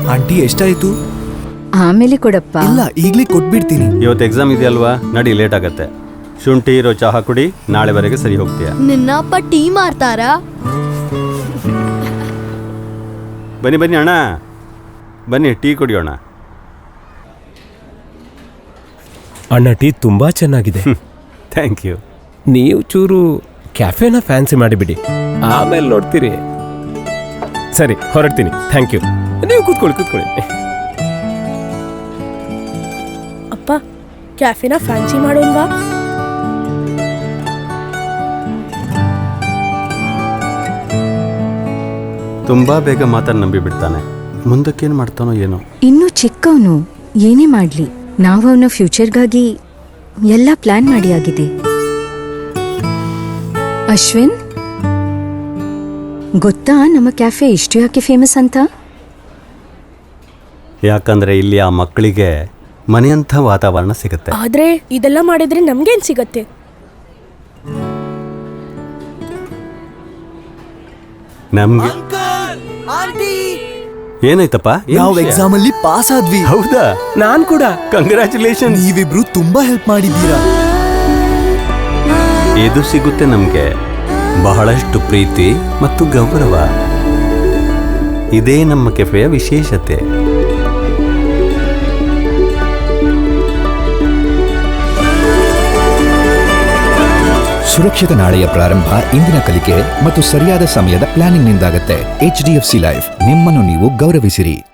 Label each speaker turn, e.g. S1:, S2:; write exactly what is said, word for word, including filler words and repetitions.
S1: Aunty ಎಷ್ಟಾಯ್ತು?
S2: ಆಮೇಲೆ ಕೊಡಪ್ಪ.
S1: ಇಲ್ಲ, ಈಗ್ಲೇ ಕೊಟ್ಬಿಡ್ತೀನಿ.
S3: ಇವತ್ತು ಎಕ್ಸಾಮ್ ಇದೆಯಲ್ವಾ, ನಡಿ, ಲೇಟ್ ಆಗತ್ತೆ. ಶುಂಠಿ ಇರೋ ಚಹಾ ಕುಡಿ, ನಾಳೆವರೆಗೆ ಸರಿ ಹೋಗ್ತೀಯ.
S4: ನಿನ್ನಪ್ಪ ಟೀ ಮಾರ್ತಾರಾ?
S3: ಬನ್ನಿ ಬನ್ನಿ ಅಣ್ಣ, ಬನ್ನಿ ಟೀ ಕುಡಿಯೋಣ.
S5: ಅಣ್ಣ, ಟೀ ತುಂಬಾ ಚೆನ್ನಾಗಿದೆ.
S3: Thank 
S5: ನೀವು ಚೂರು ಕ್ಯಾಫೆನ ಫ್ಯಾನ್ಸಿ ಮಾಡಿಬಿಡಿ, ಆಮೇಲೆ ನೋಡ್ತೀರಿ. ಸರಿ, ಹೊರಡ್ತೀನಿ. Thank ನೀವು ಕೂತ್ಕೊಳ್ಳಿ ಕೂತ್ಕೊಳ್ಳಿ.
S6: ಅಪ್ಪ, ಕ್ಯಾಫೆನ ಫ್ಯಾನ್ಸಿ ಮಾಡೋಲ್ವಾ?
S3: ತುಂಬಾ ಬೇಗ ಮಾತನ್ನು ನಂಬಿ ಬಿಡ್ತಾನೆ. ಮುಂದಕ್ಕೇನು ಮಾಡ್ತಾನೋ ಏನೋ.
S2: ಇನ್ನು ಚಿಕ್ಕವನು, ಏನೇ ಮಾಡ್ಲಿ ನಾವು ಅವನ ಫ್ಯೂಚರ್ಗಾಗಿ ಎಲ್ಲ ಪ್ಲಾನ್ ಮಾಡಿ ಆಗಿದೆ. ಅಶ್ವಿನ್, ಗೊತ್ತಾ ನಮ್ಮ ಕ್ಯಾಫೆ ಇಷ್ಟು ಯಾಕೆ ಫೇಮಸ್ ಅಂತ?
S3: ಯಾಕಂದ್ರೆ ಇಲ್ಲಿ ಆ ಮಕ್ಕಳಿಗೆ ಮನೆಯಂಥ ವಾತಾವರಣ ಸಿಗುತ್ತೆ.
S6: ಆದ್ರೆ ಇದೆಲ್ಲ ಮಾಡಿದ್ರೆ ನಮ್ಗೇನ್ ಸಿಗತ್ತೆ?
S3: ನಮ್ಗೆ ಏನಾಯ್ತಪ್ಪ?
S1: ನಾವು ಎಕ್ಸಾಮ್ ಅಲ್ಲಿ ಪಾಸ್ ಆದ್ವಿ.
S3: ಹೌದಾ?
S5: ನಾನ್ ಕೂಡ.
S3: ಕಂಗ್ರ್ಯಾಚುಲೇಷನ್.
S1: ನೀವಿಬ್ರು ತುಂಬಾ ಹೆಲ್ಪ್ ಮಾಡಿದ್ದೀರಾ.
S3: ಇದು ಸಿಗುತ್ತೆ ನಮ್ಗೆ ಬಹಳಷ್ಟು ಪ್ರೀತಿ ಮತ್ತು ಗೌರವ. ಇದೇ ನಮ್ಮ ಕೆಫೆಯ ವಿಶೇಷತೆ.
S7: ಸುರಕ್ಷಿತ ನಾಳೆಯ ಪ್ರಾರಂಭ ಇಂದಿನ ಕಲಿಕೆ ಮತ್ತು ಸರಿಯಾದ ಸಮಯದ ಪ್ಲಾನಿಂಗ್ ನಿಂದಾಗತ್ತೆ. H D F C life, ನಿಮ್ಮನ್ನು ನೀವು ಗೌರವಿಸಿರಿ.